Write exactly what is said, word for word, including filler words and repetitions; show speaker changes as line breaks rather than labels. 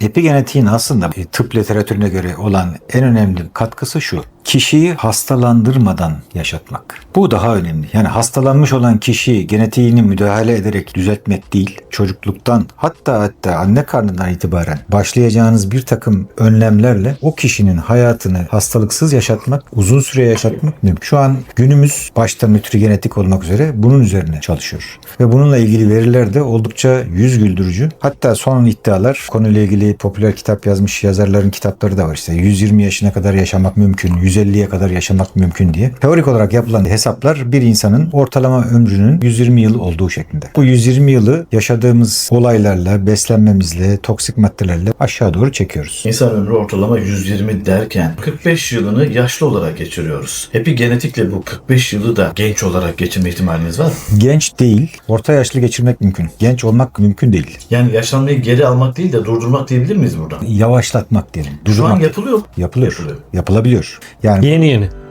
Epigenetiğin aslında tıp literatürüne göre olan en önemli katkısı şu: kişiyi hastalandırmadan yaşatmak. Bu daha önemli. Yani hastalanmış olan kişiyi genetiğini müdahale ederek düzeltmek değil, çocukluktan hatta hatta anne karnından itibaren başlayacağınız bir takım önlemlerle o kişinin hayatını hastalıksız yaşatmak, uzun süre yaşatmak mümkün. Şu an günümüz başta nütrigenetik olmak üzere bunun üzerine çalışıyor. Ve bununla ilgili veriler de oldukça yüz güldürücü. Hatta son iddialar, konuyla ilgili popüler kitap yazmış yazarların kitapları da var. İşte yüz yirmi yaşına kadar yaşamak mümkün, yüz elliye kadar yaşamak mümkün diye. Teorik olarak yapılan hesaplar bir insanın ortalama ömrünün yüz yirmi yıl olduğu şeklinde. Bu yüz yirmi yılı yaşadığımız olaylarla, beslenmemizle, toksik maddelerle aşağı doğru çekiyoruz.
İnsan ömrü ortalama yüz yirmi derken kırk beş yılını yaşlı olarak geçiriyoruz. Epigenetikle bu kırk beş yılı da genç olarak geçirme ihtimaliniz var mı?
Genç değil, orta yaşlı geçirmek mümkün. Genç olmak mümkün değil.
Yani yaşlanmayı geri almak değil de durdurmak diyebilir miyiz burada?
Yavaşlatmak diyelim.
Şu an
Durdurmak.
yapılıyor.
Yapılıyor.
Yapılıyor.
Yapılabiliyor. Yani
Yeni yeni.